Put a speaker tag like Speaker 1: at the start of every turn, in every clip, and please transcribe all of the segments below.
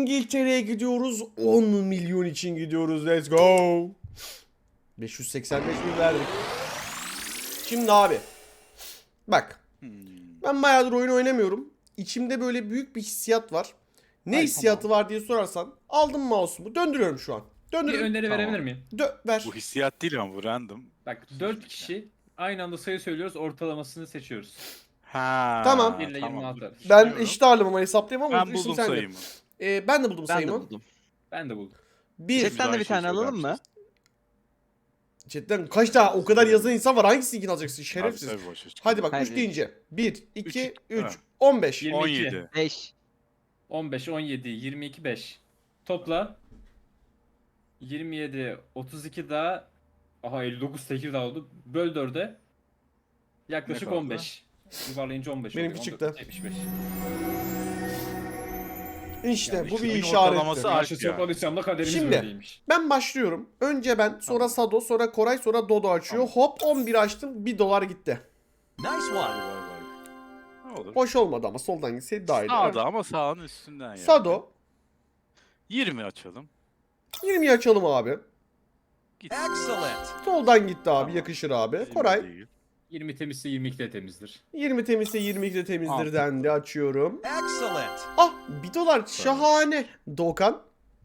Speaker 1: İngiltere'ye gidiyoruz. 10 milyon için gidiyoruz. Let's go. 585 bin verdik. Şimdi abi. Bak. Ben bayağıdır oyun oynamıyorum. İçimde böyle büyük bir hissiyat var. Ne
Speaker 2: Ay,
Speaker 1: hissiyatı
Speaker 2: tamam.
Speaker 1: var diye sorarsan. Aldım mouse'umu. Döndürüyorum şu an.
Speaker 3: Bir
Speaker 1: Döndürüyorum.
Speaker 3: öneri
Speaker 2: Tamam.
Speaker 3: verebilir miyim?
Speaker 1: Ver.
Speaker 2: Bu hissiyat değil ama bu random.
Speaker 3: Bak 4 kişi aynı anda sayı söylüyoruz, ortalamasını seçiyoruz.
Speaker 2: Ha.
Speaker 1: Tamam.
Speaker 3: 1 ile 26 arası.
Speaker 1: Ben
Speaker 2: Düşünüyorum.
Speaker 1: eşit ağırlığımı hesaplayayım ama
Speaker 2: Ben buldum
Speaker 1: sende.
Speaker 2: sayımı.
Speaker 1: Ben de buldum
Speaker 4: Ben de
Speaker 1: sayımı.
Speaker 4: buldum.
Speaker 3: Ben de buldum.
Speaker 1: Bir.
Speaker 4: Chatten de bir
Speaker 2: Güzel şey
Speaker 4: tane alalım mı?
Speaker 1: Chatten kaç tane o kadar yazan insan var. Hangisini alacaksın şerefsiz.
Speaker 2: Tabii, boş ver.
Speaker 1: Hadi bak 3
Speaker 4: Hadi.
Speaker 1: deyince. 1, 2, 3,
Speaker 2: Ha.
Speaker 1: 15.
Speaker 3: 22.
Speaker 2: 17.
Speaker 4: 5.
Speaker 3: 15, 17, 22, 5. Topla. 27, 32 daha. Aha 59 Tekirdağ oldu. Böl 4'e. Yaklaşık
Speaker 2: Ne kaldı?
Speaker 3: 15. Yuvarlayınca 15
Speaker 1: Benimki
Speaker 3: oluyor.
Speaker 1: çıktı.
Speaker 3: 14, 75.
Speaker 1: İşte
Speaker 2: Yani
Speaker 1: bu bir
Speaker 2: şunun
Speaker 1: işarettir.
Speaker 2: ortalaması
Speaker 3: Karşı
Speaker 2: Alp ya.
Speaker 3: topladıysam da kaderimiz
Speaker 1: Şimdi.
Speaker 3: böyleymiş.
Speaker 1: Ben başlıyorum. Önce ben, sonra Sado, sonra Koray, sonra Dodo açıyor. Hop 11 açtım. 1 dolar gitti.
Speaker 5: Nice
Speaker 2: Vay
Speaker 5: one.
Speaker 2: vay vay. Ne olur.
Speaker 1: Hoş olmadı ama soldan gitseydi daha iyiydi.
Speaker 2: Sağda ama sağın üstünden yani.
Speaker 1: Sado.
Speaker 2: 20 açalım.
Speaker 1: 20'yi açalım abi.
Speaker 2: Git.
Speaker 5: Excellent.
Speaker 1: Soldan gitti abi.
Speaker 2: Tamam.
Speaker 1: Yakışır abi.
Speaker 2: 20
Speaker 1: Koray.
Speaker 2: değil.
Speaker 3: 20 temizse 22 de temizdir.
Speaker 1: 20 temizse 22 de temizdir
Speaker 2: Altı.
Speaker 1: dendi. Açıyorum.
Speaker 5: Excellent.
Speaker 1: Ah 1 dolar. Şahane. Doğukan.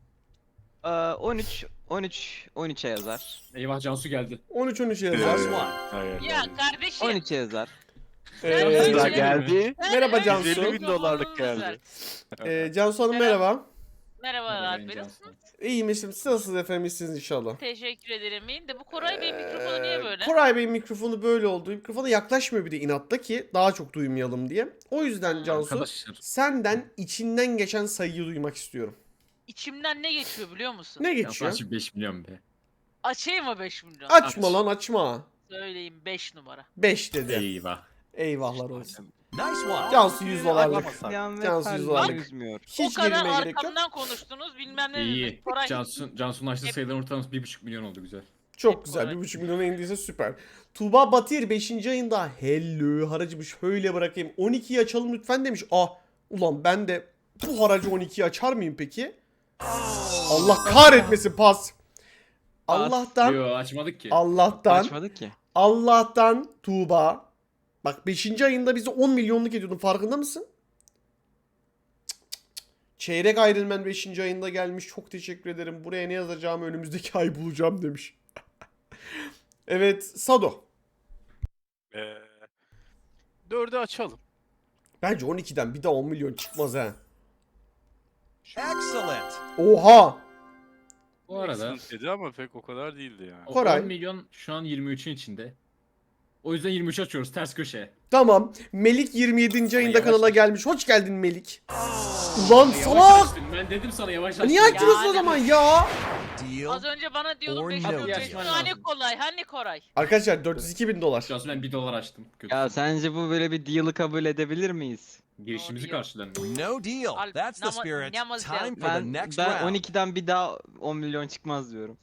Speaker 4: 13 13'e yazar.
Speaker 3: Eyvah Cansu geldi.
Speaker 1: 13 yazar.
Speaker 5: Nice one.
Speaker 2: Hayır.
Speaker 6: Ya kardeşim.
Speaker 4: 13'e yazar.
Speaker 1: Ee,
Speaker 6: Daha
Speaker 2: geldi.
Speaker 1: Merhaba Cansu.
Speaker 2: 150 bin dolarlık geldi.
Speaker 1: Cansu Hanım merhaba.
Speaker 6: Merhabalar
Speaker 3: Merhaba
Speaker 6: Bey,
Speaker 3: Cansu.
Speaker 6: nasılsınız?
Speaker 1: İyiyim eşim. Siz nasılsınız efendim? İyisiniz inşallah.
Speaker 6: Teşekkür ederim. İyiyim de bu Koray Bey mikrofonu niye böyle?
Speaker 1: Koray Bey'in mikrofonu böyle oldu. Mikrofona yaklaşmıyor bir de inatta ki daha çok duymayalım diye. O yüzden Cansu
Speaker 3: Arkadaşlar.
Speaker 1: senden içinden geçen sayıyı duymak istiyorum.
Speaker 6: İçimden ne geçiyor biliyor musun?
Speaker 1: Ne
Speaker 3: Cansu
Speaker 1: geçiyor?
Speaker 3: açıp 5 milyon be.
Speaker 6: Açayım mı 5 milyon?
Speaker 1: Açma
Speaker 3: Aç.
Speaker 1: lan açma.
Speaker 6: Söyleyeyim 5 numara.
Speaker 1: 5 dedi.
Speaker 3: Eyvah.
Speaker 1: Eyvahlar olsun.
Speaker 5: Nice one.
Speaker 1: Cansu 100 dolarlık.
Speaker 2: Aklamasak.
Speaker 4: Yan ve
Speaker 1: Cansu
Speaker 4: kalbimi
Speaker 1: Yüzvarlık.
Speaker 4: üzmüyor.
Speaker 1: Hiç
Speaker 6: o kadar
Speaker 1: gerilmeye gerek yok.
Speaker 6: arkamdan konuştunuz bilmem ne
Speaker 3: İyi.
Speaker 6: dediniz. Koray
Speaker 3: Cansu'nun açtığı sayıların ortalaması 1,5 milyon oldu güzel.
Speaker 1: Çok güzel.
Speaker 6: Koray.
Speaker 1: 1,5 milyona indiyse süper. Tuğba Batir 5. ayında hello haracımı şöyle bırakayım. 12'yi açalım lütfen demiş. Ulan ben de bu haracı 12'yi açar mıyım peki? Allah kahretmesin pas. Allah'tan
Speaker 3: Yo açmadık ki.
Speaker 4: Açmadık ki.
Speaker 1: Allah'tan Tuğba. Bak 5. ayında bizi 10 milyonluk ediyordun farkında mısın? Cık cık cık. Çeyrek Iron Man 5. ayında gelmiş. Çok teşekkür ederim. Buraya ne yazacağımı önümüzdeki ay bulacağım demiş. Evet Sado.
Speaker 2: 4'ü açalım.
Speaker 1: Bence 12'den bir daha 10 milyon çıkmaz ha.
Speaker 5: Excellent.
Speaker 1: Oha.
Speaker 3: Bu arada
Speaker 2: Excellent dedi ama pek o kadar değildi yani.
Speaker 3: o
Speaker 1: Koray.
Speaker 3: 10 milyon şu an 23'ün içinde. O yüzden 23 açıyoruz ters köşe.
Speaker 1: Tamam. Melik 27. ayında
Speaker 3: yavaş
Speaker 1: kanala
Speaker 3: aç.
Speaker 1: gelmiş. Hoş geldin Melik. Ulan
Speaker 3: Yavaş
Speaker 1: salak.
Speaker 3: açtın. Ben dedim sana yavaş aç.
Speaker 1: Niye açtınız o
Speaker 6: Yani.
Speaker 1: zaman ya?
Speaker 5: Deal.
Speaker 6: az önce bana diyordun
Speaker 5: Or
Speaker 6: 5
Speaker 5: no
Speaker 6: milyon
Speaker 5: deal.
Speaker 6: açtın. Hani kolay hani Koray.
Speaker 1: Arkadaşlar 402 bin dolar.
Speaker 3: Cansu ben 1 dolar açtım. Kötü.
Speaker 4: Ya sence bu böyle bir deal'ı kabul edebilir miyiz?
Speaker 3: Girişimizi
Speaker 6: Doğru.
Speaker 3: karşılamıyor.
Speaker 5: No deal.
Speaker 6: Al-
Speaker 5: That's the
Speaker 6: nama-
Speaker 5: spirit.
Speaker 6: namaz
Speaker 5: Time
Speaker 6: lazım.
Speaker 5: for the
Speaker 4: Ben
Speaker 5: next
Speaker 4: ben
Speaker 5: round.
Speaker 4: 12'den bir daha 10 milyon çıkmaz diyorum.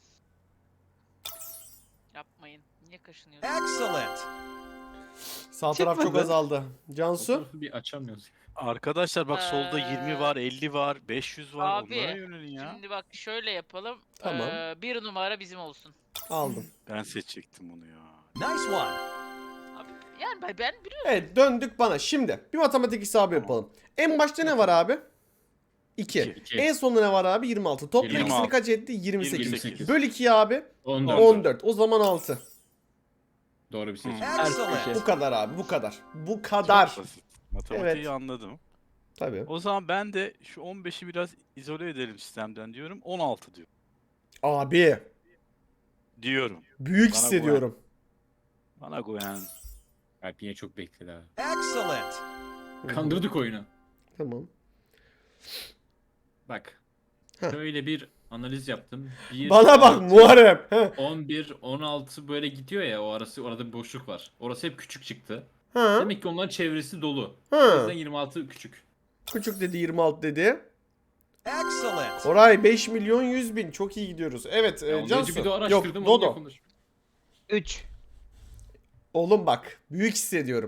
Speaker 6: Yapmayın. Niye kaşınıyorsun?
Speaker 5: Excellent.
Speaker 1: Sağ taraf çok
Speaker 4: Çıkmadı.
Speaker 1: azaldı.
Speaker 3: O
Speaker 1: Cansu.
Speaker 3: tarafı bir açamıyoruz.
Speaker 2: Arkadaşlar bak solda 20 var, 50 var, 500 var.
Speaker 6: Abi,
Speaker 2: Onlara yönelin ya.
Speaker 6: Şimdi bak şöyle yapalım.
Speaker 1: Tamam.
Speaker 6: 1 numara bizim olsun.
Speaker 1: Aldım.
Speaker 2: Ben seçecektim onu ya.
Speaker 5: Nice one.
Speaker 6: Abi, yani ben biliyorum.
Speaker 1: Evet döndük bana. Şimdi bir matematik hesabı yapalım. En başta ne var abi? 2.
Speaker 3: İki.
Speaker 1: En sonunda ne var abi? 26. Toplam
Speaker 2: 26.
Speaker 1: ikisini kaç etti? 28.
Speaker 3: 28.
Speaker 1: Böl 2'ye abi.
Speaker 3: 14.
Speaker 1: 14. O zaman 6.
Speaker 3: Doğru bir seçim.
Speaker 5: Excellent.
Speaker 1: Bu kadar abi. Bu kadar. Bu kadar.
Speaker 2: Basit. Matematiği
Speaker 1: Evet.
Speaker 2: anladım.
Speaker 1: Tabii.
Speaker 2: O zaman ben de şu 15'i biraz izole edelim sistemden diyorum. 16 diyor.
Speaker 1: Abi.
Speaker 2: Diyorum.
Speaker 1: Büyük
Speaker 2: Bana
Speaker 1: hissediyorum.
Speaker 2: Bana güven.
Speaker 3: Alp yine çok bekledi ha.
Speaker 5: Excellent.
Speaker 3: Kandırdık oyunu.
Speaker 1: Tamam.
Speaker 3: Bak.
Speaker 1: Heh.
Speaker 3: Şöyle bir analiz yaptım. 1,
Speaker 1: Bana bak Muharrem. Heh.
Speaker 3: 11, 16 böyle gidiyor ya o arası orada bir boşluk var. Orası hep küçük çıktı.
Speaker 1: Ha.
Speaker 3: Demek ki onların çevresi dolu. O
Speaker 1: Ha.
Speaker 3: yüzden 26 küçük.
Speaker 1: Küçük dedi 26 dedi.
Speaker 5: Excellent.
Speaker 1: Koray 5 milyon 100 bin. Çok iyi gidiyoruz. Evet
Speaker 3: Ya ondan
Speaker 1: Cansu.
Speaker 3: önce bir de
Speaker 1: Yok
Speaker 3: araştırdım onu
Speaker 1: Dodo.
Speaker 3: konuş.
Speaker 4: 3.
Speaker 1: Oğlum bak. Büyük hissediyorum.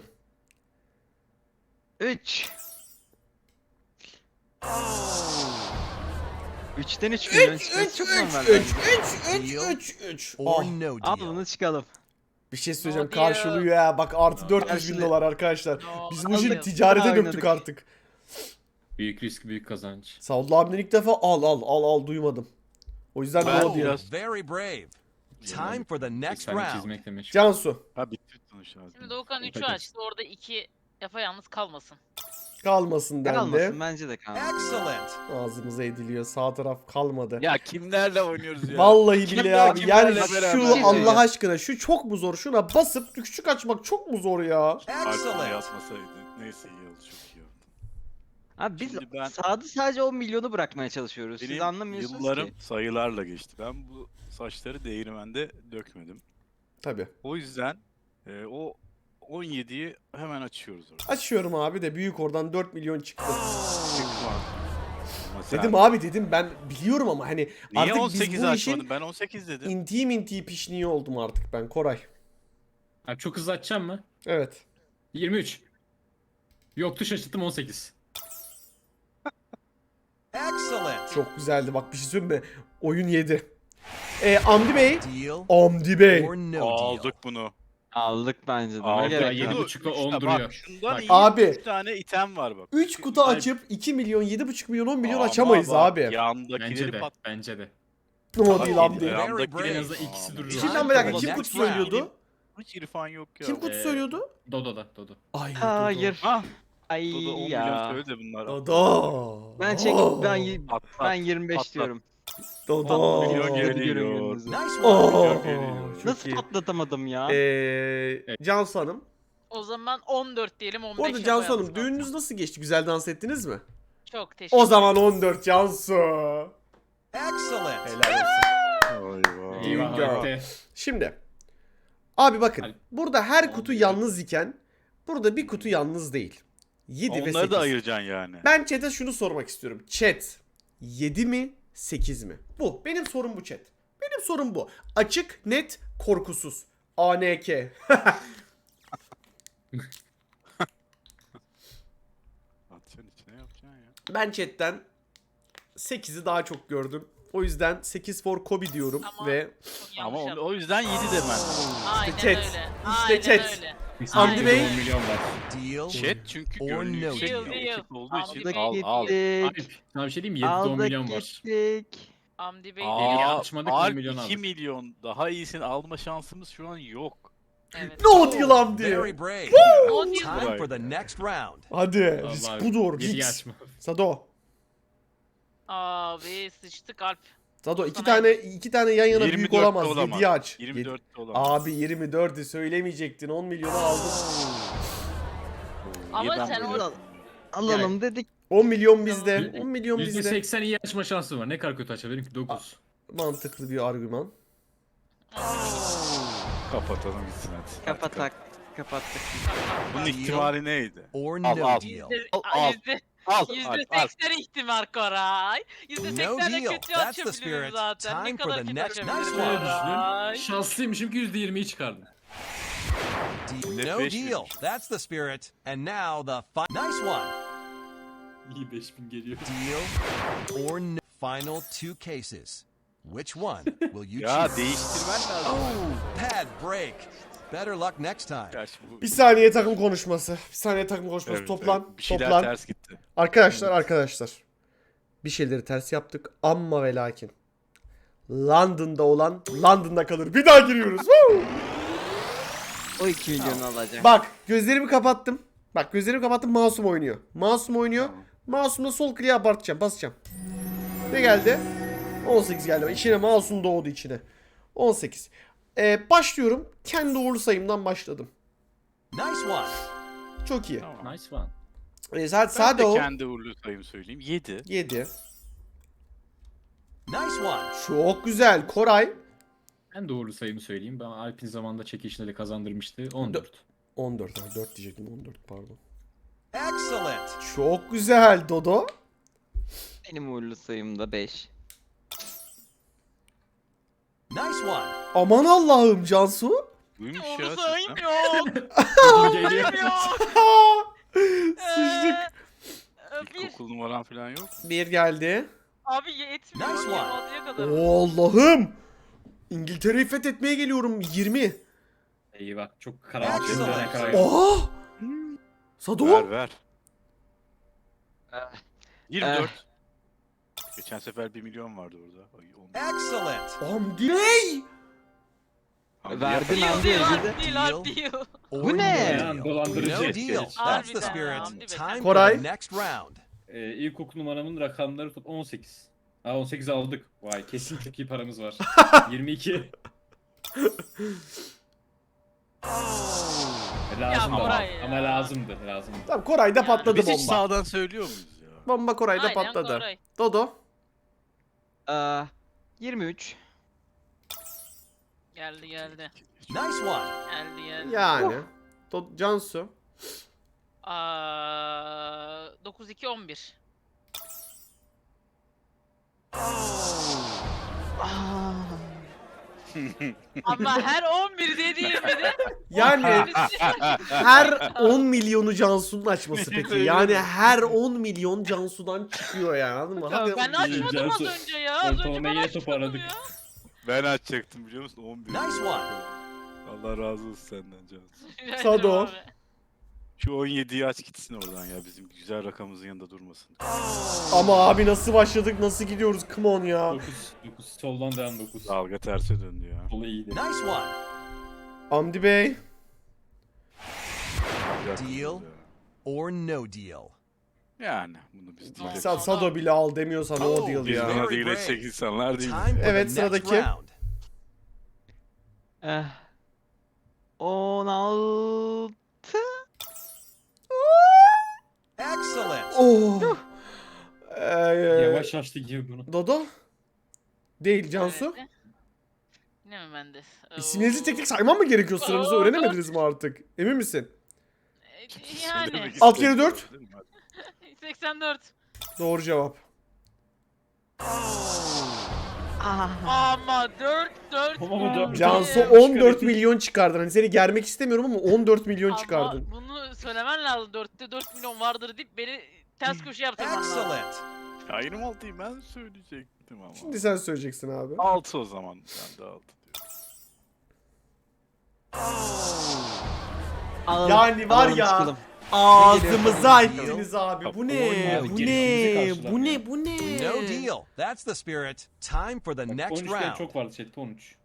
Speaker 4: 3. 3'ten 3 milyon
Speaker 1: 3
Speaker 4: çıkması
Speaker 1: 3
Speaker 4: çok
Speaker 1: 3
Speaker 4: normal
Speaker 1: 3
Speaker 4: bence.
Speaker 1: 3 3 3
Speaker 5: or
Speaker 1: Ah,
Speaker 5: no
Speaker 4: Al
Speaker 5: deal?
Speaker 4: bunu çıkalım.
Speaker 1: bir şey söyleyeceğim,
Speaker 6: No deal.
Speaker 1: karşılıyor ya. Bak artı 400 bin
Speaker 4: Karşılıyor.
Speaker 1: dolar arkadaşlar.
Speaker 6: No
Speaker 1: Biz bu işi
Speaker 6: deal.
Speaker 1: ticarete
Speaker 4: Oynadık.
Speaker 1: döktük artık.
Speaker 3: Büyük risk, büyük kazanç.
Speaker 1: Saudullah abiden ilk defa al duymadım. O yüzden
Speaker 2: Ben
Speaker 1: no diyor.
Speaker 2: biraz-
Speaker 5: Very brave. Time for the next
Speaker 3: Efsane
Speaker 5: round.
Speaker 3: çizmekle meşgul.
Speaker 1: Cansu
Speaker 2: Ha bitti sonuç lazım.
Speaker 6: Şimdi Doğukan 3'ü
Speaker 3: Peki.
Speaker 6: açtı. Orada 2 yapayalnız kalmasın.
Speaker 1: kalmasın dendi.
Speaker 4: Kalmasın bence de kalmasın.
Speaker 5: Excellent.
Speaker 1: Ağzımıza ediliyor. Sağ taraf kalmadı.
Speaker 2: Ya kimlerle oynuyoruz ya?
Speaker 1: Vallahi billahi abi. Yani
Speaker 2: kimlerle
Speaker 1: şu
Speaker 2: beraber
Speaker 1: Allah
Speaker 4: ya?
Speaker 1: aşkına şu çok mu zor? Şuna basıp küçük açmak çok mu zor ya?
Speaker 2: Alper'e
Speaker 5: Excellent.
Speaker 2: yazmasaydı. Neyse iyi oldu, çok iyi oldu.
Speaker 4: Abi biz
Speaker 2: Şimdi ben-
Speaker 4: sağda sadece 10 milyonu bırakmaya çalışıyoruz. Siz
Speaker 2: Benim
Speaker 4: anlamıyorsunuz
Speaker 2: yıllarım
Speaker 4: ki.
Speaker 2: sayılarla geçti. Ben bu saçları değirmende dökmedim.
Speaker 1: Tabii.
Speaker 2: O yüzden o 17'yi hemen açıyoruz orada.
Speaker 1: Açıyorum abi de büyük oradan 4 milyon çıktı.
Speaker 2: Ama sen-
Speaker 1: Dedim abi dedim ben biliyorum ama hani
Speaker 2: Niye
Speaker 1: artık biz
Speaker 2: 18
Speaker 1: bu
Speaker 2: açmadın?
Speaker 1: işin
Speaker 2: Ben 18 dedim.
Speaker 1: inti pişniği oldum artık ben Koray.
Speaker 3: Abi çok hızlı açacağım mı?
Speaker 1: Evet.
Speaker 3: 23. Yoktu, şaşırttım, 18.
Speaker 5: Excellent.
Speaker 1: Çok güzeldi bak, bir şey söyleyeyim mi? Oyun yedi. Hamdi Bey.
Speaker 5: Deal
Speaker 1: Hamdi Bey.
Speaker 5: or no deal?
Speaker 2: Aldık bunu.
Speaker 4: Aldık bence de. Ne
Speaker 2: Aldık.
Speaker 4: gerek
Speaker 3: yedi
Speaker 4: yok.
Speaker 3: bu- buçukla
Speaker 2: Üç
Speaker 3: 10
Speaker 2: bak,
Speaker 3: duruyor.
Speaker 2: şundan
Speaker 3: Bak.
Speaker 2: iyi
Speaker 1: Abi.
Speaker 2: 3 tane item var bak.
Speaker 1: 3 kutu açıp 2 milyon, 7,5 milyon, 10 milyon
Speaker 2: Ama
Speaker 1: açamayız
Speaker 2: bak,
Speaker 1: abi.
Speaker 3: Bence
Speaker 2: Yandakileri
Speaker 3: de.
Speaker 2: pat.
Speaker 3: Bence de.
Speaker 1: No değil Hamdi.
Speaker 5: Very
Speaker 2: Yandakileri
Speaker 3: En azından ikisi duruyor.
Speaker 1: Şimdiden bir dakika,
Speaker 5: Time
Speaker 1: kim
Speaker 5: for the
Speaker 1: kutu
Speaker 5: next
Speaker 1: söylüyordu?
Speaker 2: Hiç irfan yok ya.
Speaker 1: Kim kutu söylüyordu?
Speaker 3: Dodo.
Speaker 1: Ay.
Speaker 4: Hayır.
Speaker 2: Ha,
Speaker 4: Ay
Speaker 2: Dodo 10 milyon
Speaker 4: ya.
Speaker 2: söyle de bunlar.
Speaker 1: Dodo.
Speaker 4: Ben çek ben
Speaker 2: At,
Speaker 4: ben
Speaker 2: at.
Speaker 4: 25
Speaker 2: Atla.
Speaker 4: diyorum.
Speaker 1: Dodo.
Speaker 2: milyon
Speaker 4: Hadi
Speaker 2: geliyor.
Speaker 4: görün gününüzü.
Speaker 5: Nice
Speaker 1: Oh,
Speaker 5: one.
Speaker 1: çok
Speaker 4: Nasıl
Speaker 1: iyi.
Speaker 4: patlatamadım ya?
Speaker 1: Cansu Hanım.
Speaker 6: O zaman 14 diyelim, 15
Speaker 1: Bu arada
Speaker 6: yapayalnız
Speaker 1: Cansu Hanım
Speaker 6: kalsın.
Speaker 1: düğününüz nasıl geçti? Güzel dans ettiniz mi?
Speaker 6: Çok teşekkür
Speaker 1: O zaman 14 Cansu.
Speaker 5: Excellent.
Speaker 1: Helal olsun.
Speaker 2: Eyvah.
Speaker 3: Eyvah
Speaker 1: Girl.
Speaker 3: Halte.
Speaker 1: Şimdi. Abi bakın.
Speaker 3: Hadi.
Speaker 1: Burada her kutu yalnız iken burada bir kutu yalnız değil. 7 ve 8.
Speaker 2: Onları da ayıracaksın yani.
Speaker 1: Ben chat'e şunu sormak istiyorum. Chat 7 mi 8 mi? Bu. Benim sorum bu chat. Benim sorum bu. Açık, net, korkusuz. ANK.
Speaker 2: Atacaksın içine yapacaksın ya.
Speaker 1: Ben chat'ten 8'i daha çok gördüm. O yüzden 8 for Kobe diyorum
Speaker 6: Ama-
Speaker 1: ve
Speaker 6: Çok
Speaker 2: Ama
Speaker 6: yanlış
Speaker 2: o yüzden 7 demen.
Speaker 6: Aynen
Speaker 1: chat.
Speaker 6: öyle.
Speaker 1: İşte
Speaker 6: Aynen
Speaker 1: chat.
Speaker 6: öyle.
Speaker 1: Hamdi Bey.
Speaker 3: 10 milyon var.
Speaker 5: Deal
Speaker 2: Chat çünkü
Speaker 5: or
Speaker 2: gönlü
Speaker 5: no
Speaker 2: yüksek
Speaker 6: deal.
Speaker 2: bir ekip olduğu için
Speaker 6: Aldık
Speaker 2: al.
Speaker 3: Alp,
Speaker 4: Gittik.
Speaker 3: sana bir şey diyeyim mi? 7'de 10
Speaker 4: Aldık
Speaker 3: milyon var.
Speaker 4: gittik.
Speaker 6: Hamdi Bey
Speaker 3: Yeni
Speaker 2: Aa,
Speaker 3: açmadık, 10
Speaker 2: Alp
Speaker 3: milyon
Speaker 2: 2
Speaker 3: aldık.
Speaker 2: milyon daha iyisini alma şansımız şu an yok.
Speaker 6: evet.
Speaker 1: no deal Hamdi.
Speaker 5: Very brave.
Speaker 6: O deal.
Speaker 5: Time for the next round.
Speaker 1: Hadi.
Speaker 3: Allah
Speaker 1: Risk
Speaker 3: abi,
Speaker 1: budur.
Speaker 3: yediyi
Speaker 1: Risk.
Speaker 3: açma.
Speaker 1: Sado.
Speaker 6: Abi sıçtık Alp.
Speaker 1: Sado iki
Speaker 6: Sana
Speaker 1: tane yan yana büyük
Speaker 2: 24'te
Speaker 1: olamaz.
Speaker 2: olamaz.
Speaker 1: 7'yi aç.
Speaker 2: 24'te olamaz.
Speaker 1: Abi 24'ü söylemeyecektin. 10 milyonu aldın.
Speaker 6: Ama
Speaker 2: Niye ben
Speaker 6: sen
Speaker 2: böyle
Speaker 6: o-
Speaker 2: yapıyorum ya?
Speaker 4: Alalım dedik.
Speaker 1: 10 milyon bizde. 10 milyon bizde.
Speaker 3: %80 iyi açma şansı var. Ne kadar kötü açar? Benimki 9.
Speaker 1: Mantıklı bir argüman.
Speaker 2: Kapatalım gitsin hadi.
Speaker 4: Kapattık. Kapattık.
Speaker 2: Bunun ihtimali neydi?
Speaker 5: Or
Speaker 2: Al,
Speaker 5: no
Speaker 2: al.
Speaker 5: deal.
Speaker 2: Al. Al.
Speaker 6: %80 ihtimal Koray. %80
Speaker 5: No
Speaker 6: de
Speaker 5: deal.
Speaker 6: kötü
Speaker 5: That's the
Speaker 6: açabilirim
Speaker 5: spirit.
Speaker 6: zaten. Ne
Speaker 5: Time for
Speaker 6: kadar
Speaker 5: the
Speaker 6: kötü
Speaker 5: next-
Speaker 6: açabilirim
Speaker 5: Nice
Speaker 3: Şöyle
Speaker 5: one.
Speaker 6: Koray.
Speaker 3: düşünün. Şanslıymışım ki %20'yi çıkardım.
Speaker 5: No
Speaker 2: beş
Speaker 5: deal.
Speaker 2: miymiş?
Speaker 5: That's the spirit. And now the nice one.
Speaker 3: İyi 5000 geliyor.
Speaker 5: Deal or no. Final two cases. Which one will you
Speaker 2: Ya
Speaker 5: choose?
Speaker 2: değiştirmen lazım.
Speaker 5: Oh, pad break. Better luck next time.
Speaker 2: Gerçi bu-
Speaker 1: Bir saniye takım konuşması. Bir saniye takım konuşması.
Speaker 2: Evet,
Speaker 1: Toplan.
Speaker 2: evet. Bir şeyler
Speaker 1: Toplan.
Speaker 2: ters gitti.
Speaker 1: Arkadaşlar. Bir şeyleri ters yaptık. Amma ve lakin. London'da olan London'da kalır. Bir daha giriyoruz. Woo!
Speaker 4: O 2 milyonu alacak.
Speaker 1: Bak gözlerimi kapattım. Bak gözlerimi kapattım. Masum oynuyor. Masum oynuyor.
Speaker 2: Tamam.
Speaker 1: Masum'da sol kliğe abartacağım. Basacağım. Ne geldi? 18 geldi. İçine Masum doğdu içine. 18. Başlıyorum. Kendi uğurlu sayımdan başladım.
Speaker 5: Nice one.
Speaker 1: Çok iyi.
Speaker 2: Tamam.
Speaker 3: Nice one.
Speaker 2: Ben
Speaker 1: Sade
Speaker 2: de
Speaker 1: o.
Speaker 2: kendi uğurlu sayımı söyleyeyim. 7.
Speaker 1: 7.
Speaker 5: Nice one.
Speaker 1: Çok güzel. Koray.
Speaker 3: Ben doğru sayımı söyleyeyim. Ben Alp'in zamanında çekilişinde de kazandırmıştı. 14.
Speaker 1: 14. 4 diyecektim. 14 pardon.
Speaker 5: Excellent.
Speaker 1: Çok güzel Dodo.
Speaker 4: Benim uğurlu sayım da 5.
Speaker 5: Nice one.
Speaker 1: Aman Allah'ım Cansu.
Speaker 2: Buymuş ya
Speaker 6: Onu
Speaker 2: sistem.
Speaker 6: sayım yok.
Speaker 3: Geliyor.
Speaker 1: Sıçtık.
Speaker 6: Bir.
Speaker 2: İlkokul numaran falan yok.
Speaker 1: 1 geldi.
Speaker 6: Abi yetmiyor.
Speaker 5: Nice one.
Speaker 6: 26'ya kadar.
Speaker 1: Allah'ım. İngiltere'yi fethetmeye geliyorum 20.
Speaker 3: Eyvah çok karanlık.
Speaker 5: Excellent.
Speaker 3: Ne kadar-
Speaker 1: Aa! Sado.
Speaker 2: Ver ver.
Speaker 4: Eh.
Speaker 2: 24. Geçen sefer 1 milyon vardı orada. Ay, 11.
Speaker 5: Excellent.
Speaker 1: Hamdi.
Speaker 2: Hamdi
Speaker 4: Verdin
Speaker 2: yapar.
Speaker 4: abi
Speaker 6: Değil
Speaker 4: elinde.
Speaker 6: değil.
Speaker 5: Or
Speaker 4: Bu ne?
Speaker 5: no deal.
Speaker 3: Dolandırıcı.
Speaker 5: No deal. That's the
Speaker 6: Harbiden
Speaker 5: spirit.
Speaker 6: Hamdi be.
Speaker 5: Time for
Speaker 1: Koray.
Speaker 5: the next round.
Speaker 3: İlkokul numaramın rakamları 18. Ha 18 aldık. Vay kesin çok iyi paramız var. 22. Lazımdı ama.
Speaker 6: Koray ya.
Speaker 3: Ama lazımdı.
Speaker 1: Tamam Koray'da
Speaker 6: Yani
Speaker 1: patladı
Speaker 2: Biz hiç
Speaker 1: bomba.
Speaker 2: sağdan söylüyor muyuz ya?
Speaker 1: Bomba Koray'da
Speaker 6: Aynen
Speaker 1: patladı.
Speaker 6: Koray.
Speaker 1: Dodo.
Speaker 4: 23.
Speaker 6: Geldi.
Speaker 5: Nice one.
Speaker 6: Geldi.
Speaker 1: Yani. Cansu.
Speaker 6: 9-2 11. Ama her 11 dediğimde de
Speaker 1: Yani her 10 milyonu Cansu'nun açması peki. Yani her 10 milyon Cansu'dan çıkıyor yani anladın mı? Hadi.
Speaker 6: ben açmadım az
Speaker 3: Cansu,
Speaker 6: önce ya. Az önce
Speaker 3: ortalama
Speaker 6: ben
Speaker 3: yine
Speaker 6: açmadım
Speaker 3: toparladık.
Speaker 6: ya.
Speaker 2: Ben açacaktım biliyor musun? 11.
Speaker 5: Nice one.
Speaker 2: Allah razı olsun senden Cansu.
Speaker 1: Sado.
Speaker 6: Abi.
Speaker 2: Şu 17'yi aç gitsin oradan ya. Bizim güzel rakamımızın yanında durmasın.
Speaker 1: Ama abi nasıl başladık nasıl gidiyoruz come on ya.
Speaker 3: 9 soldan devam 9.
Speaker 2: Dalga terse döndü ya.
Speaker 3: Solu iyiydi.
Speaker 5: Nice one.
Speaker 1: Hamdi Bey.
Speaker 5: Deal. Or no deal.
Speaker 2: Yani bunu biz değil.
Speaker 1: Sado bile al demiyorsan o deal
Speaker 2: Biz
Speaker 1: ya.
Speaker 2: buna
Speaker 5: Very
Speaker 2: değil
Speaker 5: brave.
Speaker 2: edecek insanlar değil.
Speaker 5: Time for
Speaker 1: Evet,
Speaker 5: the next
Speaker 1: sıradaki.
Speaker 5: round.
Speaker 4: 16.
Speaker 5: Excellent.
Speaker 1: Oh.
Speaker 3: Yavaş açtı gibi bunu.
Speaker 1: Dodo. Değil Cansu.
Speaker 6: Evet. Yine mi bende?
Speaker 1: İsimlerinizi tek tek saymam mı gerekiyor sıranızı öğrenemediniz mi artık? Emin misin?
Speaker 6: Yani.
Speaker 2: Söylemek
Speaker 1: Alt kere
Speaker 2: istemiyorum,
Speaker 1: 4.
Speaker 2: değil mi?
Speaker 6: 84.
Speaker 1: Doğru cevap.
Speaker 6: Ama 4
Speaker 3: Ama dört-
Speaker 1: Cansu
Speaker 3: Evet.
Speaker 1: 14 milyon çıkardın. Hani seni germek istemiyorum ama 14 milyon çıkardın.
Speaker 6: Ama bunu söylemen lazım. 4'te 4 milyon vardır deyip beni ters köşe yaptırman lazım.
Speaker 5: Excellent.
Speaker 2: Ya 26'yı ben söyleyecektim ama.
Speaker 1: Şimdi sen söyleyeceksin abi.
Speaker 2: 6 o zaman. Ben de 6 diyorum.
Speaker 1: Yani var
Speaker 4: Alalım,
Speaker 1: ya
Speaker 4: çıkalım.
Speaker 1: ağzımıza
Speaker 4: Ne geliyor?
Speaker 1: ettiniz abi. Bu
Speaker 3: Abi,
Speaker 1: ne? Bu ne?
Speaker 3: gelişimizi
Speaker 1: Bu ne? Bu ne?
Speaker 5: No deal. That's the spirit. Time for the next
Speaker 3: 13 kere
Speaker 5: round.
Speaker 3: çok vardı chatte 13.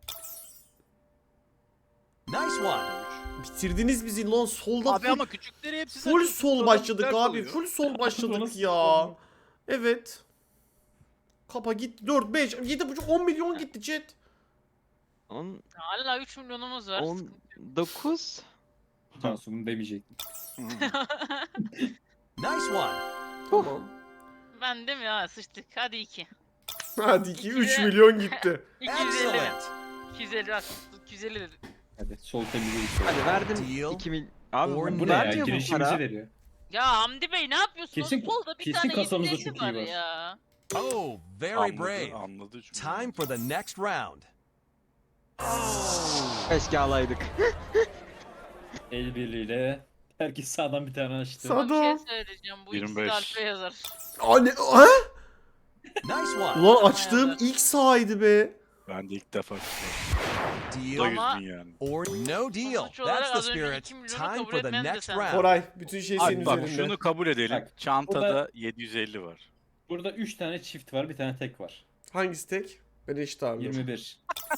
Speaker 5: Nice one.
Speaker 1: Bitirdiniz bizi lan solda
Speaker 2: Abi
Speaker 1: full,
Speaker 2: ama küçükleri hepsi
Speaker 1: full
Speaker 2: zaten
Speaker 1: sol
Speaker 2: solda
Speaker 1: başladık
Speaker 2: dört
Speaker 1: abi.
Speaker 2: oluyor.
Speaker 1: Full sol başladık
Speaker 3: Nasıl
Speaker 1: ya.
Speaker 3: oldu?
Speaker 1: Evet. Kapa gitti 4 5 7,5 10 milyon gitti chat.
Speaker 4: 10,
Speaker 6: Hala 3 milyonumuz var.
Speaker 4: 19.
Speaker 3: Cansu bunu demeyecektim.
Speaker 5: Nice one.
Speaker 1: Tamam.
Speaker 6: Ben değil mi ya sıçtık. Hadi 2.
Speaker 1: Hadi 2 3
Speaker 6: İki de-
Speaker 1: milyon gitti.
Speaker 6: 250 mi?
Speaker 5: Excellent.
Speaker 6: 250 bak. 250 dedi.
Speaker 3: Hadi sol temizledik.
Speaker 4: Hadi verdim.
Speaker 5: Deal.
Speaker 4: 2 mil. Abi
Speaker 5: Or
Speaker 3: Bu ne ya?
Speaker 4: vermiyor bu
Speaker 3: Girişimizi
Speaker 4: para.
Speaker 3: veriyor.
Speaker 6: Ya Hamdi Bey ne yapıyorsunuz?
Speaker 3: Kesin-
Speaker 6: Solda bir
Speaker 3: kesin
Speaker 6: tane
Speaker 3: kasamızda
Speaker 6: 750
Speaker 3: çok iyi var.
Speaker 6: ya.
Speaker 5: Oh, very
Speaker 2: Anladı,
Speaker 5: brave.
Speaker 2: anladı çünkü.
Speaker 5: Time for the next round.
Speaker 4: Keşke alaydık.
Speaker 3: El birliğiyle herkes sağdan bir tane açtı.
Speaker 1: Sağ-
Speaker 6: Ama bir
Speaker 1: Sado.
Speaker 6: şey söyleyeceğim. Bu ikisi de
Speaker 2: 25.
Speaker 6: Alp'e yazar.
Speaker 1: Anne ha?
Speaker 5: Nice one.
Speaker 1: Ulan açtığım ilk sahaydı be.
Speaker 2: Ben de ilk defa çıktım.
Speaker 5: Deal.
Speaker 2: Da 100
Speaker 6: Ama-
Speaker 2: bin yani.
Speaker 5: Or no deal.
Speaker 6: Sonuç olarak
Speaker 5: That's the
Speaker 6: az önce
Speaker 5: spirit.
Speaker 6: 2 milyonu
Speaker 5: Time
Speaker 6: kabul
Speaker 5: for the
Speaker 6: etmem de
Speaker 5: next
Speaker 6: sen.
Speaker 5: round.
Speaker 1: Koray bütün şey senin
Speaker 2: Abi bak
Speaker 1: üzerinde.
Speaker 2: şunu kabul edelim.
Speaker 3: Bak,
Speaker 2: Çantada
Speaker 3: burada-
Speaker 2: 750 var.
Speaker 3: Burada 3 tane çift var, bir tane tek var.
Speaker 1: Hangisi tek? Ben eşit abi.
Speaker 3: 21.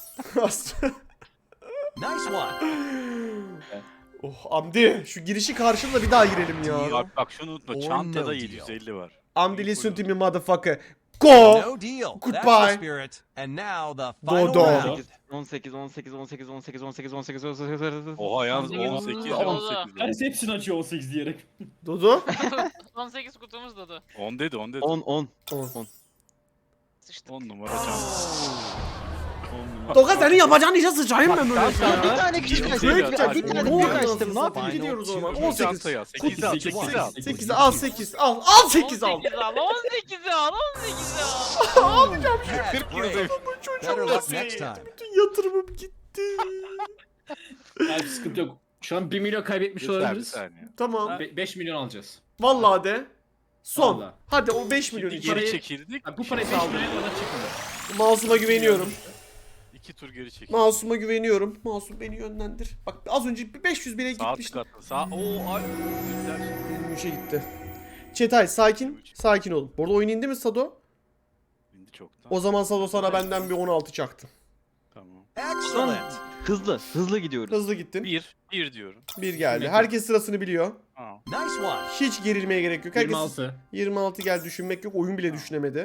Speaker 5: Nice one.
Speaker 1: Oh Hamdi şu girişi karşıla bir daha girelim ya.
Speaker 2: Bak bak şunu unutma.
Speaker 5: Or no
Speaker 2: Çantada
Speaker 5: deal.
Speaker 2: 750 var.
Speaker 1: Hamdi listen to me motherfucker. Go!
Speaker 5: No deal. That's
Speaker 1: Goodbye.
Speaker 5: the spirit. And now the final
Speaker 1: Dodo.
Speaker 5: round.
Speaker 4: 18, 18, 18, 18, 18, 18, 18.
Speaker 2: Oha yalnız
Speaker 6: Hamdi
Speaker 2: 18
Speaker 6: gibi.
Speaker 2: 18.
Speaker 3: Herkes hepsini açıyor 18 diyerek.
Speaker 1: Dodo.
Speaker 6: 18 kutumuz da
Speaker 2: 10 dedi 10 dedi.
Speaker 4: 10, 10.
Speaker 1: 10.
Speaker 6: sıçtık.
Speaker 2: 10 numara çanta.
Speaker 1: Doka senin yapacağın işe sıçayım ben böyle.
Speaker 4: Ya bir tane küçük
Speaker 2: Yedi
Speaker 4: açtım.
Speaker 2: değil,
Speaker 4: Bir tane
Speaker 2: hadi.
Speaker 4: büyük
Speaker 1: Ne oluyor
Speaker 4: açtım.
Speaker 1: anasını
Speaker 4: Ne yapayım?
Speaker 1: satayım? Gidiyoruz o zaman.
Speaker 5: Final
Speaker 1: 18.
Speaker 2: Çantayı al. 8 al. 8 al.
Speaker 1: 8 al 8 al. Al 8 al.
Speaker 6: 18 al. 18 al. 18 al.
Speaker 1: Alacağım.
Speaker 5: That's
Speaker 2: 40
Speaker 5: brave.
Speaker 2: yılda
Speaker 5: Better luck next time.
Speaker 1: Bütün yatırımım gitti.
Speaker 3: Abi sıkıntı yok. Şu an 1 milyon kaybetmiş
Speaker 2: Bir
Speaker 3: olabiliriz.
Speaker 2: saniye.
Speaker 1: Tamam.
Speaker 3: 5 milyon alacağız.
Speaker 1: Vallahi de. Son.
Speaker 3: Vallahi.
Speaker 1: Hadi o 5 milyon
Speaker 2: Şimdi
Speaker 1: için.
Speaker 2: geri çekildik.
Speaker 3: Bak bu parayı 5
Speaker 2: saldırı.
Speaker 3: milyon bana çıkmadı.
Speaker 1: Masum'a güveniyorum.
Speaker 2: 2 tur geri çekildik.
Speaker 1: Masum'a güveniyorum. Masum beni yönlendir. Bak az önce bir 500 bine
Speaker 2: Sağ
Speaker 1: gitmiştim.
Speaker 2: tıkatlı. Sağ. Oo ay. Güzel.
Speaker 1: 23'e gitti. Çetay sakin. Sakin olun. Bu arada oyun indi mi Sado?
Speaker 2: İndi çoktan.
Speaker 1: O zaman Sado sana benden bir 16 çaktı.
Speaker 2: Tamam.
Speaker 5: Excellent.
Speaker 4: Hızlı gidiyoruz.
Speaker 1: Hızlı gittin.
Speaker 2: 1 diyorum.
Speaker 1: Bir geldi. Herkes sırasını biliyor.
Speaker 2: Aa.
Speaker 5: Nice one.
Speaker 1: Hiç gerilmeye gerek yok. Herkes
Speaker 3: 26.
Speaker 1: 26 gel, düşünmek yok. Oyun bile düşünemedi.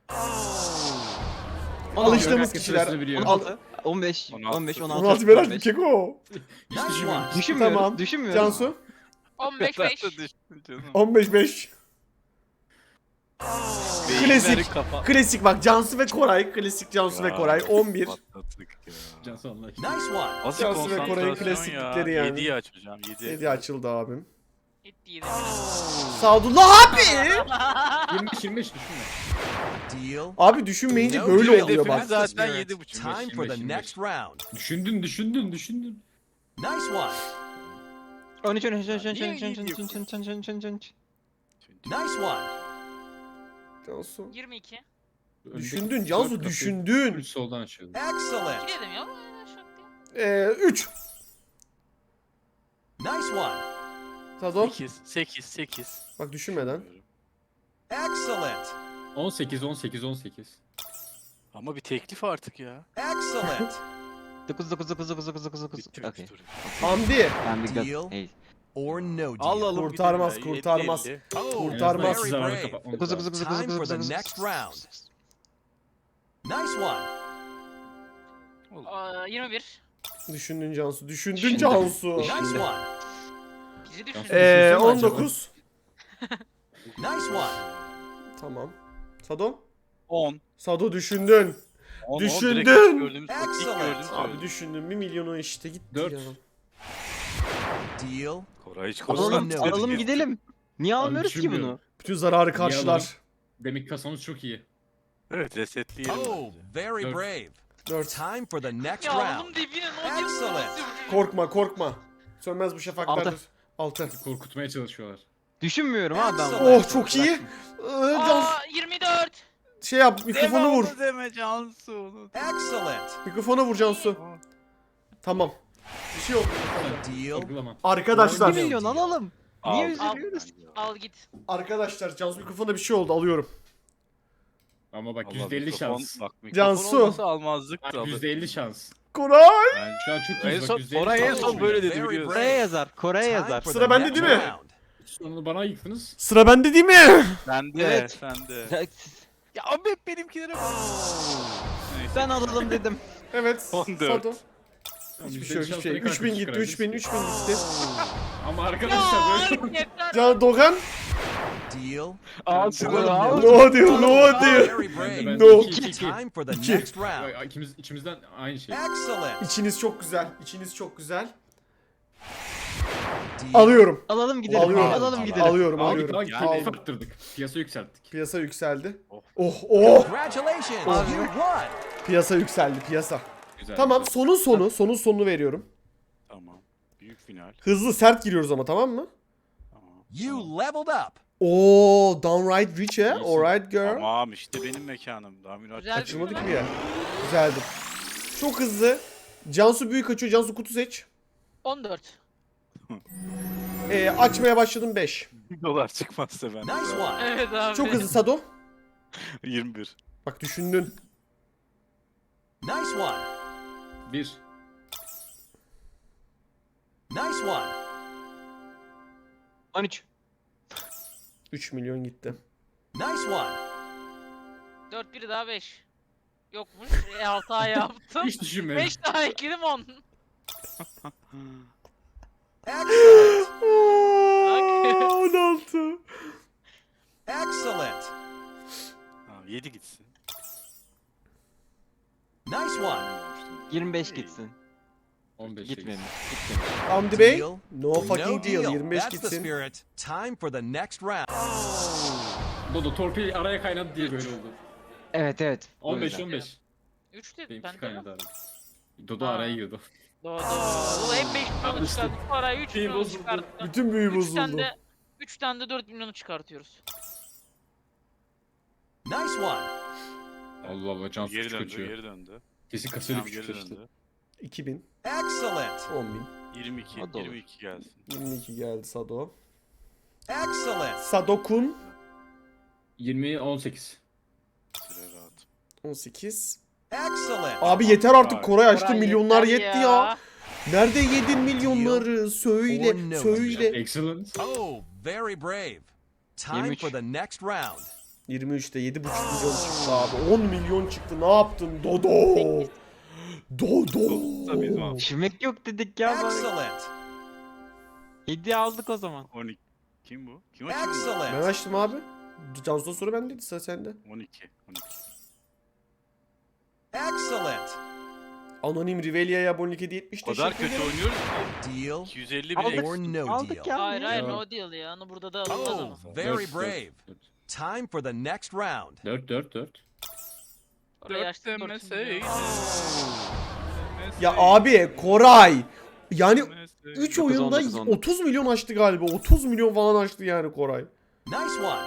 Speaker 3: Ama
Speaker 1: Alıştığımız
Speaker 3: herkes
Speaker 1: kişiler.
Speaker 3: sırasını biliyor.
Speaker 4: 16, 15,
Speaker 2: 16.
Speaker 4: 15, 16.
Speaker 1: 16 merak bir
Speaker 4: 15.
Speaker 1: keko.
Speaker 3: Hiç
Speaker 5: Nice
Speaker 3: düşünmüyorum.
Speaker 5: one.
Speaker 4: Düşünmüyorum.
Speaker 1: Tamam.
Speaker 4: Düşünmüyorum.
Speaker 1: Cansu
Speaker 6: 15
Speaker 2: Ben
Speaker 6: 5.
Speaker 2: de düştüm canım.
Speaker 1: 15-5. Klasik.
Speaker 2: Beyinleri kapa-
Speaker 1: Klasik bak, Cansu ve Koray. Klasik Cansu ve
Speaker 2: Ya,
Speaker 1: Koray. 11.
Speaker 2: patlattık ya.
Speaker 3: Cansu Allah için.
Speaker 5: Nice one.
Speaker 2: Nasıl
Speaker 1: Cansu ve Koray'ın
Speaker 2: konsantrasyon
Speaker 1: klasiklikleri
Speaker 2: ya.
Speaker 1: yani.
Speaker 2: 7'yi aç hocam.
Speaker 1: 7 açıldı abim.
Speaker 6: Gitti 7.
Speaker 1: Sadullah abi.
Speaker 3: 25 düşünme.
Speaker 5: Deal.
Speaker 1: Abi düşünmeyince
Speaker 5: No
Speaker 1: böyle
Speaker 5: deal.
Speaker 1: oluyor bak.
Speaker 2: Hedefimiz zaten
Speaker 5: Spirit.
Speaker 2: 7.5.
Speaker 5: Time for the
Speaker 3: 25.
Speaker 5: next round.
Speaker 3: Düşündün.
Speaker 5: Nice one.
Speaker 4: 13, 13, 13, 13,
Speaker 2: Niye
Speaker 4: 13, 13,
Speaker 2: gidiyorsun?
Speaker 4: 13, 13, 13, 13.
Speaker 5: Nice one.
Speaker 1: Cansu.
Speaker 6: 22.
Speaker 1: Düşündün Cansu, düşündün.
Speaker 3: 3 soldan açıyordu.
Speaker 5: Excellent.
Speaker 6: 2 dedim ya. Şok değil.
Speaker 1: 3.
Speaker 5: Nice one.
Speaker 1: Sado.
Speaker 2: 8.
Speaker 1: Bak düşünmeden.
Speaker 5: Excellent.
Speaker 3: 18.
Speaker 2: Ama bir teklif artık ya.
Speaker 5: Excellent.
Speaker 4: 9, 9, 9, 9, 9, 9, 9.
Speaker 2: Bitir
Speaker 4: Okey.
Speaker 2: turu.
Speaker 1: Hamdi.
Speaker 4: Ben bir
Speaker 5: Deal.
Speaker 4: gaz. Hey.
Speaker 5: Or no deal.
Speaker 2: Alalım
Speaker 1: Kurtarmaz,
Speaker 2: gidelim ya.
Speaker 1: kurtarmaz.
Speaker 2: 50-50.
Speaker 1: Kurtarmaz.
Speaker 5: Very
Speaker 3: Zararı
Speaker 5: brave.
Speaker 3: kapatmamız
Speaker 4: 9,
Speaker 3: lazım.
Speaker 4: 9, 9, 9,
Speaker 5: Time for
Speaker 4: 9,
Speaker 5: the
Speaker 4: 9.
Speaker 5: next round. Nice one.
Speaker 6: 21.
Speaker 1: Düşündün Cansu. Düşündün
Speaker 4: Düşündüm.
Speaker 1: Cansu.
Speaker 5: Nice one.
Speaker 6: Bizi
Speaker 3: Cansu,
Speaker 6: düşün.
Speaker 3: düşünsene
Speaker 1: 19.
Speaker 5: Nice one.
Speaker 1: Tamam. Sado.
Speaker 2: 10.
Speaker 1: Sado düşündün.
Speaker 2: 10,
Speaker 1: Düşündün.
Speaker 2: direkt ilk gördüğümüz ilk
Speaker 5: Excellent.
Speaker 2: gördüğümüz
Speaker 1: Abi
Speaker 2: söyledim.
Speaker 1: düşündün. 1 milyonu işte gitti
Speaker 3: 4.
Speaker 1: ya.
Speaker 5: Deal.
Speaker 2: Koray hiç
Speaker 5: Alalım,
Speaker 2: konsantre
Speaker 4: Alalım
Speaker 2: değil.
Speaker 4: gidelim. Niye almıyoruz ki
Speaker 3: düşünmüyorum.
Speaker 4: bunu?
Speaker 1: Bütün zararı karşılar.
Speaker 3: Demek kasamız çok iyi.
Speaker 2: Evet resetleyelim.
Speaker 5: Oh, very
Speaker 3: Dört.
Speaker 5: brave.
Speaker 1: 4.
Speaker 5: Time for the next
Speaker 6: Ya
Speaker 5: round.
Speaker 6: oğlum dibine ne
Speaker 5: Excellent.
Speaker 6: diyorsun?
Speaker 1: Korkma korkma. Sönmez bu şafaklardır. 6.
Speaker 3: Korkutmaya çalışıyorlar.
Speaker 4: Düşünmüyorum abi ben.
Speaker 5: Excellent.
Speaker 1: Oh çok iyi. Cansu
Speaker 6: Aa 24.
Speaker 1: şey yap, mikrofonu vur.
Speaker 2: Deme onu deme Cansu onu.
Speaker 5: Excellent.
Speaker 1: Mikrofona vur Cansu. Tamam. Bir şey yok.
Speaker 5: Deal.
Speaker 3: Sorgulama.
Speaker 1: Arkadaşlar.
Speaker 4: 1 milyon alalım. Niye
Speaker 2: Al.
Speaker 4: üzülüyoruz?
Speaker 6: Al git.
Speaker 1: Arkadaşlar Cansu mikrofona bir şey oldu, alıyorum.
Speaker 3: Ama bak
Speaker 2: Vallahi
Speaker 3: %50
Speaker 2: mikrofon-
Speaker 3: şans.
Speaker 2: Bak, mikrofon
Speaker 1: Cansu.
Speaker 2: olmasa almazdık
Speaker 3: Bak
Speaker 2: da.
Speaker 3: %50 şans.
Speaker 1: Koray.
Speaker 2: Ben
Speaker 3: Şu an çok
Speaker 2: en
Speaker 3: iyi bak
Speaker 2: son
Speaker 3: %50
Speaker 2: Koray en
Speaker 3: şans.
Speaker 2: son böyle dedi
Speaker 5: Very
Speaker 2: biliyorsun.
Speaker 5: brave.
Speaker 4: Kore'ye yazar. Kore'ye
Speaker 5: Time
Speaker 4: yazar.
Speaker 5: for
Speaker 1: Sıra
Speaker 5: the
Speaker 1: bende
Speaker 5: next
Speaker 1: değil mi?
Speaker 5: round.
Speaker 3: Sonunu bana yıktınız.
Speaker 1: Sıra bende değil mi?
Speaker 2: Sende,
Speaker 4: Evet.
Speaker 2: sende. Ya abi hep benimkilere bak. Neyse.
Speaker 4: Ben alalım dedim.
Speaker 1: Evet.
Speaker 2: 14.
Speaker 1: Sado. Hiçbir şey yok, hiçbir şey.
Speaker 3: %50 şansla
Speaker 1: 3000 gitti,
Speaker 3: çıkarabiliriz.
Speaker 1: 3000 gitti.
Speaker 3: Ama
Speaker 6: Ya
Speaker 3: arkadaşlar böyle
Speaker 6: yeter.
Speaker 1: Can Dogan.
Speaker 5: Deal.
Speaker 2: Al
Speaker 3: şunu
Speaker 2: al.
Speaker 1: No diyor, no diyor.
Speaker 5: Very brave.
Speaker 3: Ben
Speaker 1: No.
Speaker 3: 2.
Speaker 5: Time for the
Speaker 1: İki.
Speaker 5: next round.
Speaker 3: İçimizden aynı şey.
Speaker 5: Excellent.
Speaker 1: İçiniz çok güzel. İçiniz çok güzel.
Speaker 5: Deal.
Speaker 1: Alıyorum.
Speaker 4: Alalım gidelim.
Speaker 1: Alıyorum.
Speaker 4: Alalım gidelim.
Speaker 1: Alıyorum,
Speaker 3: Aldık
Speaker 1: alıyorum.
Speaker 3: lan
Speaker 2: Yani-
Speaker 3: keyif arttırdık. Piyasa yükselttik.
Speaker 1: Piyasa yükseldi.
Speaker 2: Oh.
Speaker 1: Oh, oh.
Speaker 5: Congratulations.
Speaker 1: Abi.
Speaker 5: You won.
Speaker 1: Piyasa yükseldi, piyasa.
Speaker 3: Güzel.
Speaker 1: Tamam,
Speaker 3: güzel.
Speaker 1: sonun sonunu veriyorum.
Speaker 2: Tamam. Büyük final.
Speaker 1: Hızlı, sert giriyoruz ama, tamam mı?
Speaker 2: Tamam.
Speaker 5: You leveled up.
Speaker 1: Oo, downright rich he.
Speaker 3: İyisin.
Speaker 1: Alright girl.
Speaker 2: Tamam işte benim mekanım. Daha münasip.
Speaker 6: Güzel.
Speaker 1: Açılmadı ki bir yer. Güzeldi. Çok hızlı. Cansu büyük açıyor. Cansu kutu seç.
Speaker 6: 14.
Speaker 1: Açmaya başladım 5.
Speaker 2: Dolar çıkmazsa ben.
Speaker 5: Nice one.
Speaker 6: Evet abi.
Speaker 1: Çok hızlı Sado.
Speaker 2: 21.
Speaker 1: Bak düşündün.
Speaker 5: Nice one.
Speaker 3: 1.
Speaker 5: Nice one.
Speaker 6: 13.
Speaker 1: 3 milyon gitti.
Speaker 5: Nice one.
Speaker 6: 4 biri daha 5. Yokmuş. 6 ay yaptım.
Speaker 3: Hiç düşünmedim.
Speaker 6: 5 daha ekledim 10.
Speaker 5: Excellent.
Speaker 1: 16.
Speaker 5: Excellent.
Speaker 2: Tamam 7 gitsin.
Speaker 5: Nice one.
Speaker 4: 25 gitsin.
Speaker 3: 15.
Speaker 4: Gitmemiş.
Speaker 1: Hamdi Bey.
Speaker 5: Deal.
Speaker 1: No fucking deal. 25
Speaker 5: That's the
Speaker 1: gitsin.
Speaker 5: spirit. Time for the next round.
Speaker 3: Dodo torpil araya kaynadı diye böyle oldu.
Speaker 4: Evet evet. O
Speaker 3: 15
Speaker 4: yüzden.
Speaker 3: 15.
Speaker 6: 3 dedim
Speaker 3: Benimki
Speaker 6: ben de.
Speaker 3: kaynadı abi. Dodo
Speaker 6: Aa.
Speaker 3: araya girdi.
Speaker 6: Doğru. Hep 5 milyonu
Speaker 3: Yanlıştı.
Speaker 6: çıkardık. Parayı 3
Speaker 3: Şey
Speaker 6: milyonu
Speaker 3: bozuldu.
Speaker 6: çıkarttık.
Speaker 1: Bütün büyü
Speaker 6: 3 tane
Speaker 1: bozuldu.
Speaker 6: de 3 tane de 4 milyonu çıkartıyoruz.
Speaker 5: Nice one.
Speaker 3: Allah Allah can
Speaker 2: Geri
Speaker 3: suçu
Speaker 2: döndü,
Speaker 3: kaçıyor.
Speaker 2: geri döndü.
Speaker 3: Kesin kasayla
Speaker 2: Tamam,
Speaker 3: küçük
Speaker 2: geri
Speaker 3: kaçtı.
Speaker 2: döndü.
Speaker 1: 2000.
Speaker 5: Excellent.
Speaker 1: 10.000.
Speaker 2: 22,
Speaker 4: O da olur.
Speaker 2: 22 gelsin.
Speaker 1: 22 geldi Sado.
Speaker 5: Excellent.
Speaker 1: Sadokun
Speaker 3: 20 18.
Speaker 2: Süre rahat.
Speaker 1: 18.
Speaker 5: Excellent.
Speaker 1: Abi yeter artık,
Speaker 3: Koray.
Speaker 1: Koray açtı,
Speaker 6: Koray
Speaker 1: milyonlar
Speaker 6: yeter
Speaker 1: yetti ya. Nerede yedin milyonları?
Speaker 5: Or
Speaker 1: Söyle,
Speaker 5: no.
Speaker 1: söyle.
Speaker 3: Excellent.
Speaker 5: Oh, very brave. Time
Speaker 4: 23.
Speaker 5: for the next round.
Speaker 1: 23'te 7,5 milyon çıktı abi. 10 milyon çıktı. Ne yaptın Dodo?
Speaker 2: Tabii,
Speaker 1: Dodo.
Speaker 2: tamam.
Speaker 4: Düşmek yok dedik ya. bari.
Speaker 5: Excellent.
Speaker 4: 7 aldık o zaman.
Speaker 2: 12. Kim bu? Kim açıyor? bunu?
Speaker 1: Ben
Speaker 5: Excellent.
Speaker 1: açtım abi. Cansu'dan sonra bendeydi, sıra sende.
Speaker 2: 12. 12.
Speaker 5: Excellent.
Speaker 1: Anonim Rivelia'ya abonelik hediye etmiş.
Speaker 2: O kadar
Speaker 1: Teşekkür
Speaker 2: kötü
Speaker 1: ederim.
Speaker 2: oynuyoruz ki.
Speaker 5: Deal
Speaker 2: 250
Speaker 4: Aldık.
Speaker 2: bile
Speaker 5: or
Speaker 2: eksik.
Speaker 5: no
Speaker 4: Aldık
Speaker 5: deal.
Speaker 4: ya.
Speaker 6: Hayır hayır
Speaker 3: Ya.
Speaker 6: no deal ya. Onu burada da alınmaz ama.
Speaker 5: Oh, very brave. Time for the next round.
Speaker 3: 4.
Speaker 6: Orayı açtık 4
Speaker 2: demeseydin.
Speaker 1: Ya abi Koray. Yani 3
Speaker 4: 19,
Speaker 1: oyunda
Speaker 4: 19, 19.
Speaker 1: 30 milyon açtı galiba. 30 milyon falan açtı yani Koray.
Speaker 5: Nice one.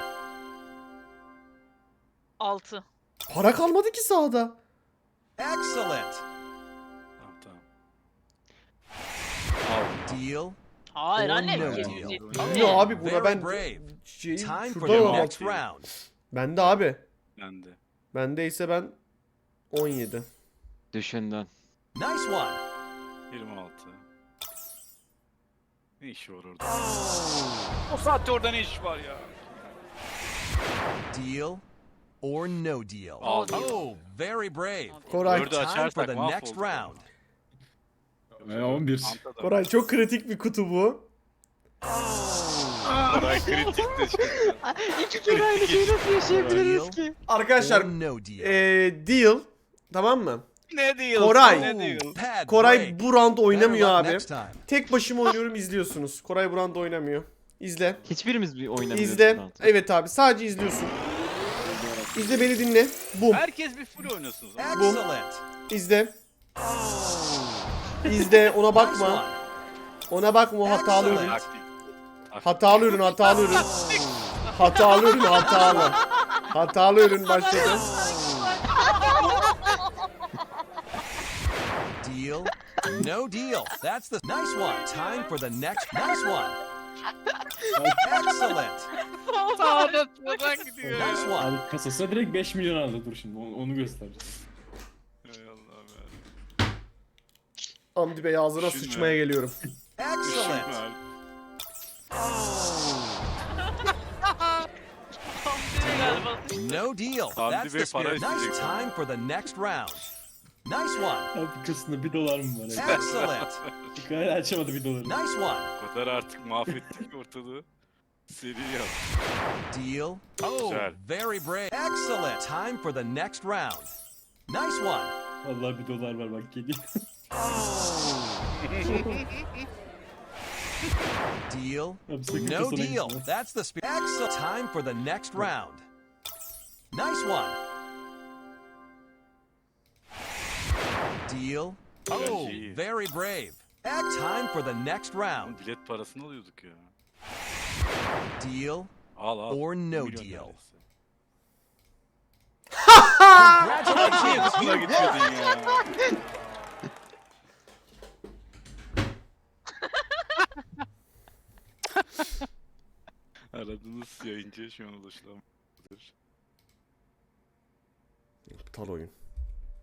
Speaker 6: 6.
Speaker 1: Para kalmadı ki sahada.
Speaker 5: Excellent.
Speaker 2: Tamam tamam.
Speaker 5: Deal
Speaker 6: Hayır
Speaker 5: Or
Speaker 6: anne.
Speaker 5: no
Speaker 6: 770.
Speaker 1: Ne abi buna
Speaker 5: Very
Speaker 1: ben
Speaker 5: brave.
Speaker 1: şeyi
Speaker 5: Time for
Speaker 1: şuradan
Speaker 5: the
Speaker 1: almak.
Speaker 5: next round.
Speaker 1: Bende abi.
Speaker 2: Ben de.
Speaker 1: Bendeyse ben 17.
Speaker 5: Nice
Speaker 4: Düşündün.
Speaker 5: one.
Speaker 2: 26. Ne iş var orada? O saatte orada ne iş var ya?
Speaker 5: Deal or no deal.
Speaker 2: Al.
Speaker 5: Oh, very brave.
Speaker 1: Koray,
Speaker 2: Dördü
Speaker 5: Time for
Speaker 2: açarsak
Speaker 5: the next
Speaker 2: mahvolduk.
Speaker 5: round.
Speaker 3: 11.
Speaker 2: Antada.
Speaker 1: Koray çok kritik bir kutu bu.
Speaker 2: Koray kritik de çıktı.
Speaker 4: İki kere aynı şeyi nasıl yaşayabiliriz ki?
Speaker 1: Arkadaşlar
Speaker 5: Or no deal.
Speaker 1: deal, tamam mı?
Speaker 2: Ne diyorsun?
Speaker 1: Koray.
Speaker 2: Ne diyorsun?
Speaker 5: Pad
Speaker 1: Koray
Speaker 5: break.
Speaker 1: bu round oynamıyor
Speaker 5: Better luck
Speaker 1: abi.
Speaker 5: next time.
Speaker 1: Tek başıma oynuyorum, izliyorsunuz. Koray bu round oynamıyor. İzle.
Speaker 4: Hiçbirimiz bir oynamıyoruz.
Speaker 1: İzle.
Speaker 4: zaten.
Speaker 1: Evet abi, sadece izliyorsun. İzle, beni dinle. Bum.
Speaker 2: Herkes bir full oynasın. o zaman.
Speaker 5: Excellent.
Speaker 1: İzle. İzle, ona
Speaker 5: Nice
Speaker 1: bakma.
Speaker 5: one.
Speaker 1: Ona bakma, o hatalı ürün.
Speaker 2: Taktik.
Speaker 1: Hatalı ürün, hatalı ürün. Hatalı ürün, hatalı. Hatalı ürün başladı.
Speaker 5: Deal. No deal. That's the nice one. Time for the next. Nice one. Excellent.
Speaker 2: Sağda soldan gidiyor ya.
Speaker 5: Nice one.
Speaker 3: Abi kasasına direkt 5 milyon aldı, dur şimdi onu göstereceğiz.
Speaker 2: Ey Allah'ım ya.
Speaker 1: Hamdi Bey ağzına
Speaker 2: Düşünme.
Speaker 1: sıçmaya geliyorum.
Speaker 5: Excellent.
Speaker 2: Düşünme.
Speaker 6: Hamdi'ye galiba.
Speaker 5: No deal.
Speaker 2: Hamdi
Speaker 5: That's
Speaker 2: Bey
Speaker 5: the
Speaker 2: para
Speaker 5: spirit. Nice
Speaker 2: isteyecek.
Speaker 5: time for the next round. Nice one.
Speaker 3: Abi kasasında 1 dolar mı var?
Speaker 5: Excellent.
Speaker 3: Hala açamadı 1 doları.
Speaker 5: Nice one.
Speaker 2: O kadar artık mahvettik ki ortalığı. Seri yap.
Speaker 5: Deal. Oh,
Speaker 2: Güzel.
Speaker 5: very brave. Excellent. Time for the next round. Nice one.
Speaker 3: Vallahi 1 dolar var bak geliyor.
Speaker 5: Deal.
Speaker 3: Abi sakın
Speaker 5: No
Speaker 3: kasana
Speaker 5: deal.
Speaker 3: gitme.
Speaker 5: That's the spirit. Excellent. Time for the next round. Nice one. Deal. Oh,
Speaker 2: iyi.
Speaker 5: very brave. Time for the next round.
Speaker 2: Oğlum bilet parasını alıyorduk ya.
Speaker 5: Deal
Speaker 2: Al al.
Speaker 5: or no
Speaker 2: Milyon
Speaker 5: deal.
Speaker 2: neredeyse.
Speaker 5: Congratulations.
Speaker 2: Buna
Speaker 5: You
Speaker 2: gitmedin ya. Aradığınız yayıncıya şu an ulaşılamıyor.
Speaker 1: Aptal oyun.